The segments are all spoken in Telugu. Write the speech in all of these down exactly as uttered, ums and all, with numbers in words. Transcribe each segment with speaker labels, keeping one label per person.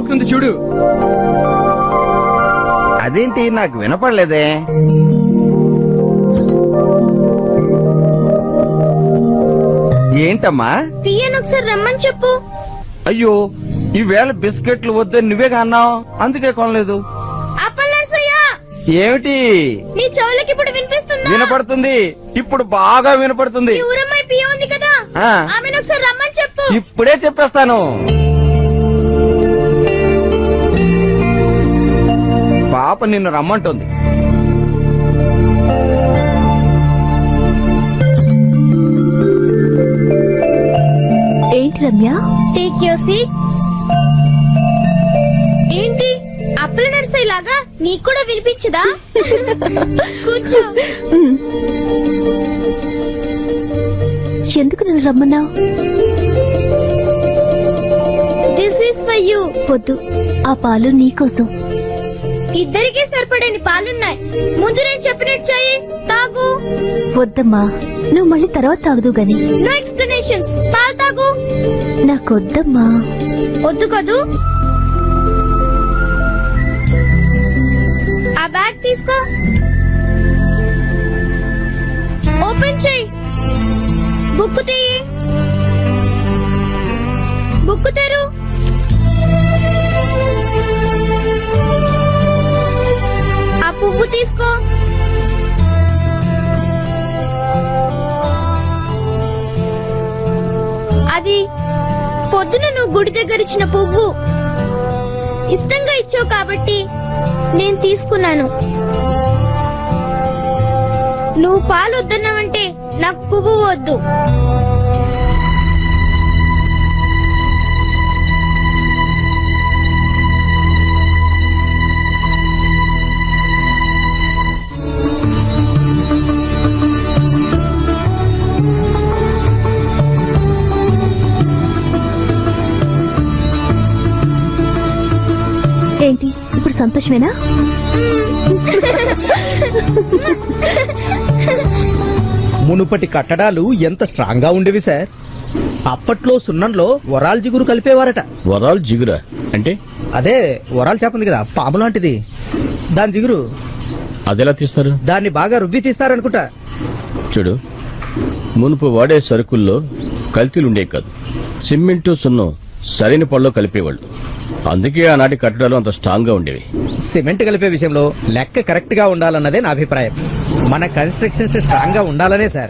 Speaker 1: మోగుతుంది చూడు.
Speaker 2: అదేంటి నాకు వినపడలేదే? ఏంటమ్మా?
Speaker 3: పియ్యను ఒకసారి రమ్మని చెప్పు.
Speaker 2: అయ్యో, ఈవేళ బిస్కెట్లు వద్దని నువ్వేగా అన్నావు, అందుకే కొనలేదు. ఏమిటి?
Speaker 3: నీ చెవులకి ఇప్పుడు వినిపిస్తుందా?
Speaker 2: వినపడుతుంది, ఇప్పుడు బాగా వినపడుతుంది.
Speaker 3: ఊరమ్మాయి పియ్య ఉంది కదా,
Speaker 2: ఆ.
Speaker 3: ఆమెను ఒకసారి రమ్మని చెప్పు.
Speaker 2: ఇప్పుడే చెప్పేస్తాను. పాప నిన్ను రమ్మంటుంది.
Speaker 3: ఏంటి రమ్య? Take your seat. ఏంటి అప్పుల నర్సయ్య లాగా నీకు కూడా వినిపించదా? కూర్చో.
Speaker 4: ఎందుకు నన్ను రమ్మన్నావు?
Speaker 3: This is for you.
Speaker 4: వద్దు, ఆ పాలు నీకోసం.
Speaker 3: ఇద్దరికీ సరిపడని పాలున్నాయి, ముందు నేను చెప్పినట్టు చెయ్యి, తాగు.
Speaker 4: వద్దమ్మా, నువ్వు మళ్ళీ తర్వాత తాగుదు గాని.
Speaker 3: నో ఎక్స్ప్లెనేషన్స్, పాలు తాగు.
Speaker 4: నాకొద్దమ్మా.
Speaker 3: వద్దు కదూ. ఆ బ్యాగ్ తీసుకో, ఓపెన్ చెయ్యి, బుక్ తీయి, బుక్ తెరు. ఆ పువ్వు తీసుకో. అది పొద్దున నువ్వు గుడి దగ్గర ఇచ్చిన పువ్వు. ఇష్టంగా ఇచ్చావు కాబట్టి నేను తీసుకున్నాను. నువ్వు పాలు వద్దన్నావంటే నాకు పువ్వు వద్దు.
Speaker 4: ఏంటి ఇప్పుడు సంతోషమేనా?
Speaker 1: మునుపటి కట్టడాలు ఎంత స్ట్రాంగ్ గా ఉండేవి సార్. అప్పట్లో సున్నంలో వరాల్ జిగురు కలిపేవారట.
Speaker 5: వరాల్ జిగురా అంటే?
Speaker 1: అదే వరాల్ చేపంది కదా, పాము లాంటిది, దాని జిగురు.
Speaker 5: అదెలా తీస్తారు?
Speaker 1: దాన్ని బాగా రుబ్బి తీస్తారనుకుంటా.
Speaker 5: చూడు, మునుపు వాడే సరుకుల్లో కల్తీలుండే కాదు, సిమెంటు సున్నం సరైన పళ్ళలో కలిపేవాళ్ళు. అందుకే ఆనాటి కట్టడాలు అంత స్ట్రాంగ్ గా ఉండేవి.
Speaker 1: సిమెంట్ కలిపే విషయంలో లెక్క కరెక్ట్ గా ఉండాలన్నదే నా అభిప్రాయం. మన కన్స్ట్రక్షన్స్ స్ట్రాంగ్ గా ఉండాలనే సార్.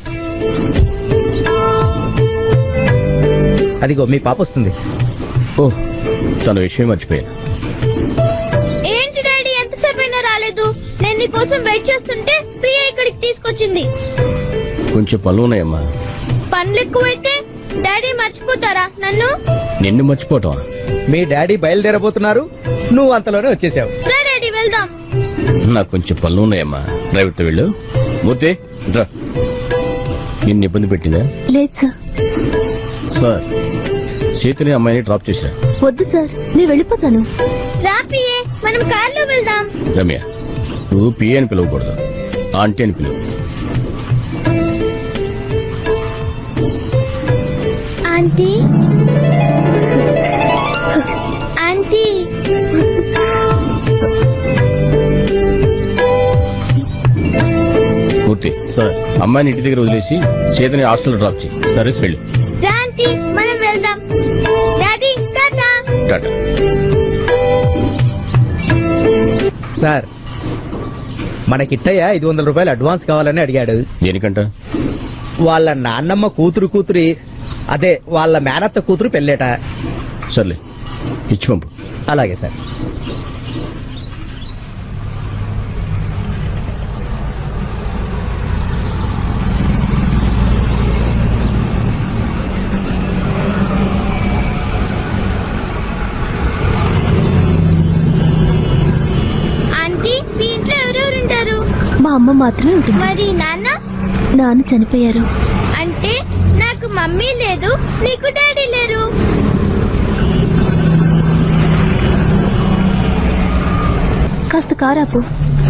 Speaker 1: అదిగో మీ పాప వస్తుంది.
Speaker 5: ఓ, తన విషయం మర్చిపోయాను.
Speaker 3: ఏంటి డాడీ, ఎంతసేపు అయినా రాలేదు? నేను నీ కోసం వెయిట్ చేస్తుంటే పియ్య ఇక్కడికి తీసుకొచ్చింది.
Speaker 5: కొంచెం పనులు ఉన్నాయమ్మా.
Speaker 3: పనులు ఎక్కువైతే డాడీ మర్చిపోతారా నన్ను?
Speaker 5: నిన్ను మర్చిపోవటం?
Speaker 1: మీ డాడీ బయలుదేరబోతున్నారు, నువ్వు అంతలోనే వచ్చేసావు.
Speaker 3: రా డాడీ, వెళ్దాం.
Speaker 5: నాకు కొంచెం పనులు ఉన్నాయమ్మా, డ్రైవర్ తో వెళ్ళు. మూర్తి రా. నిన్ను ఇబ్బంది పెట్టిందా?
Speaker 4: లేదు సార్.
Speaker 5: సార్, సీతని అమ్మాయిని డ్రాప్ చేశా.
Speaker 4: వద్దు సార్, నేను వెళ్ళిపోతాను.
Speaker 3: రా పియ్యే, మనం కార్లో వెళ్దాం.
Speaker 5: రమ్య, నువ్వు పిఏ అని పిలవకూడదు, ఆంటీ అని పిలువు.
Speaker 3: Aunty, aunty.
Speaker 5: మూర్తి సార్, అమ్మాయిని ఇంటి దగ్గర వదిలేసి సీతని హాస్టల్ డ్రాప్ చేయి. సరే వెళ్ళు.
Speaker 3: రా ఆంటీ, మనం వెళ్దాం. డాడీ టాటా.
Speaker 5: టాటా.
Speaker 1: సార్, మన కిట్టయ్య ఐదు వందల రూపాయలు అడ్వాన్స్ కావాలని అడిగాడు.
Speaker 5: దేనికంట?
Speaker 1: వాళ్ళ నాన్నమ్మ కూతురు కూతురి అదే వాళ్ళ మేనత్త కూతురు పెళ్ళేట.
Speaker 5: సర్లే, ఇచ్చి పంపు.
Speaker 1: అలాగే సార్.
Speaker 3: ఆంటీ, మీ ఇంట్లో ఎవరెవరుంటారు?
Speaker 4: మా అమ్మ మాత్రమే ఉంటుంది.
Speaker 3: మరి నాన్న?
Speaker 4: నాన్న చనిపోయారు.
Speaker 3: అంటే నాకు మమ్మీ లేదు, నీకు డాడీ లేరు.
Speaker 4: కాస్త కారాపు.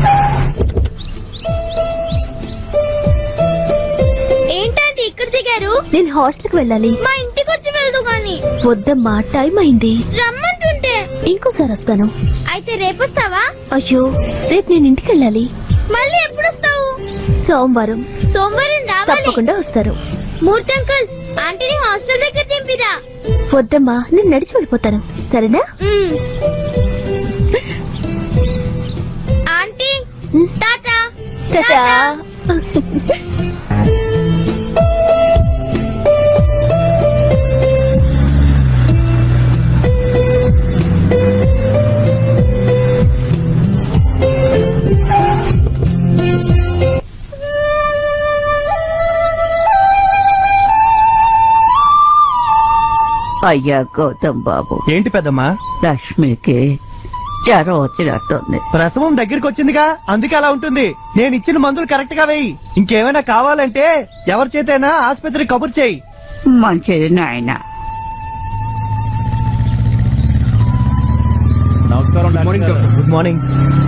Speaker 3: ఏంటంటే ఇక్కడ దిగారు?
Speaker 4: నేను హాస్టల్కి వెళ్ళాలి.
Speaker 3: మా ఇంటికి వచ్చి వెళ్దు గాని.
Speaker 4: వద్దమ్మా, టైం అయింది.
Speaker 3: రమ్మంటుంటే
Speaker 4: ఇంకోసారి వస్తాను.
Speaker 3: అయితే రేపొస్తావా?
Speaker 4: అయ్యో, రేపు నేను ఇంటికి వెళ్ళాలి.
Speaker 3: మళ్ళీ ఎప్పుడు వస్తావు?
Speaker 4: సోమవారం
Speaker 3: సోమవారం రావాలి.
Speaker 4: తప్పకుండా వస్తారు.
Speaker 3: మూర్తి అంకుల్, ఆంటీని హాస్టల్ దగ్గర దింపిరా.
Speaker 4: వద్దమ్మా, నేను నడిచి వెళ్ళిపోతాను. సరేనా?
Speaker 3: మ్మ్. Aunty tata.
Speaker 4: టాటా.
Speaker 6: అయ్యా గౌతమ్ బాబు,
Speaker 1: ఏంటి పెద్దమ్మా?
Speaker 6: లక్ష్మికి జ్వరం వచ్చినట్టుంది.
Speaker 1: ప్రసవం దగ్గరికి వచ్చిందిగా, అందుకే అలా ఉంటుంది. నేను ఇచ్చిన మందులు కరెక్ట్ గా వేయి. ఇంకేమైనా కావాలంటే ఎవరి చేతైనా ఆసుపత్రి కబుర్ చేయి.
Speaker 6: మంచిది నాయన.
Speaker 1: Good morning.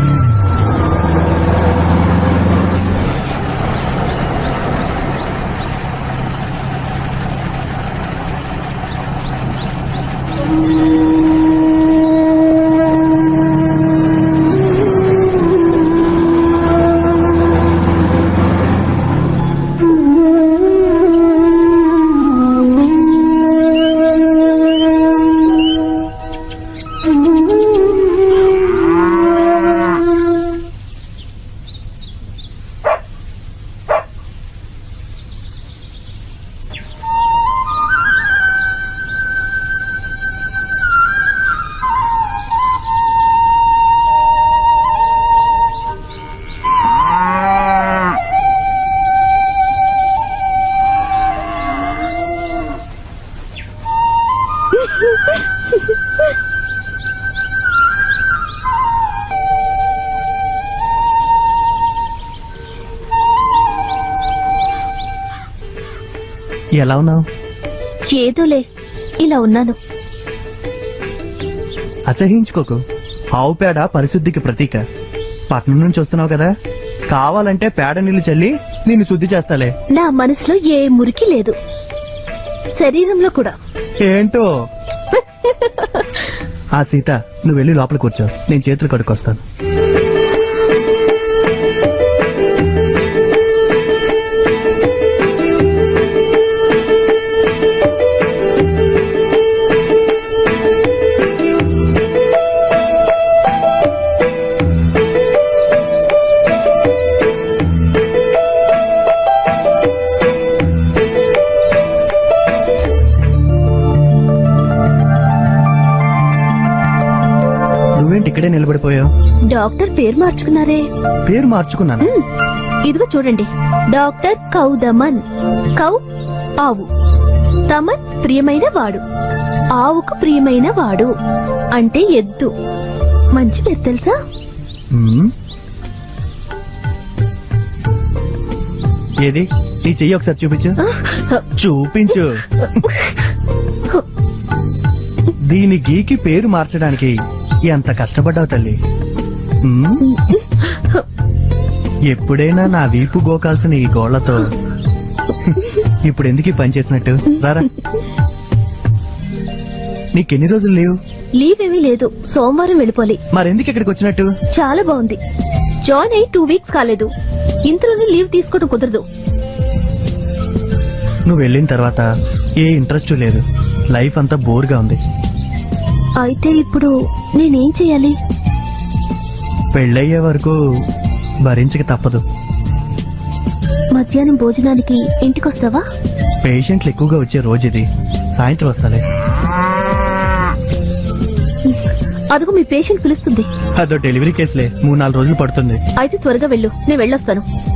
Speaker 1: ఎలా ఉన్నావు?
Speaker 4: ఏదోలే, ఇలా ఉన్నాను.
Speaker 1: అసహించుకోకు. ఆవు పేడ పరిశుద్ధికి ప్రతీక. పట్నం నుంచి వస్తున్నావు కదా, కావాలంటే పేడ నీళ్లు చల్లి నిన్ను శుద్ధి చేస్తాలే.
Speaker 4: నా మనసులో ఏ మురికి లేదు, శరీరంలో కూడా.
Speaker 1: ఏంటో. ఆ సీత, నువ్వు వెళ్ళి లోపల కూర్చో, నేను చేతులు కడుక్కొస్తాను. నువ్వేంటి ఇక్కడే నిలబడిపోయావు?
Speaker 4: డాక్టర్ పేరు మార్చుకున్నారే.
Speaker 1: పేరు మార్చుకున్నాను.
Speaker 4: మ్, ఇదిగో చూడండి, డాక్టర్ కౌదమన్. కౌ ఆవు, తమన్ ప్రియమైన వాడు, ఆవుకు ప్రియమైన వాడు అంటే ఎద్దు. మంచి పేరు తెలుసా?
Speaker 1: మ్మ్. ఏది నీ చెయ్యి ఒకసారి చూపించు. చూపించు. దీని గీకి పేరు మార్చడానికి ఎంత కష్టపడ్డావు తల్లి. మ్మ్. ఎప్పుడైనా నా వీపు గోకాల్సిన ఈ గోళ్లతో ఇప్పుడు ఎందుకు ఈ పని చేసినట్టు? రారా. నీకెన్ని రోజులు లేవు?
Speaker 4: లీవ్ ఏమీ లేదు, సోమవారం వెళ్ళిపోలి.
Speaker 1: మరెందుకు ఇక్కడికి వచ్చినట్టు?
Speaker 4: చాలా బాగుంది. జాయిన్ అయి టూ వీక్స్ కాలేదు, ఇంతలోనే లీవ్ తీసుకోవడం కుదరదు.
Speaker 1: నువ్వు వెళ్ళిన తర్వాత ఏ ఇంట్రెస్ట్ లేదు, లైఫ్ అంతా బోర్గా ఉంది.
Speaker 4: అయితే ఇప్పుడు నేనేం చెయ్యాలి?
Speaker 1: పెళ్ళయ్యే వరకు భరించక తప్పదు.
Speaker 4: మధ్యాహ్నం భోజనానికి ఇంటికొస్తావా?
Speaker 1: పేషెంట్లు ఎక్కువగా వచ్చే రోజు ఇది. సాయంత్రం వస్తాలే.
Speaker 4: అదుగు మీ పేషెంట్ పిలుస్తుంది.
Speaker 1: అదో డెలివరీ కేసులే, మూడు నాలుగు రోజులు పడుతుంది.
Speaker 4: అయితే త్వరగా వెళ్ళు, నేను వెళ్ళొస్తాను.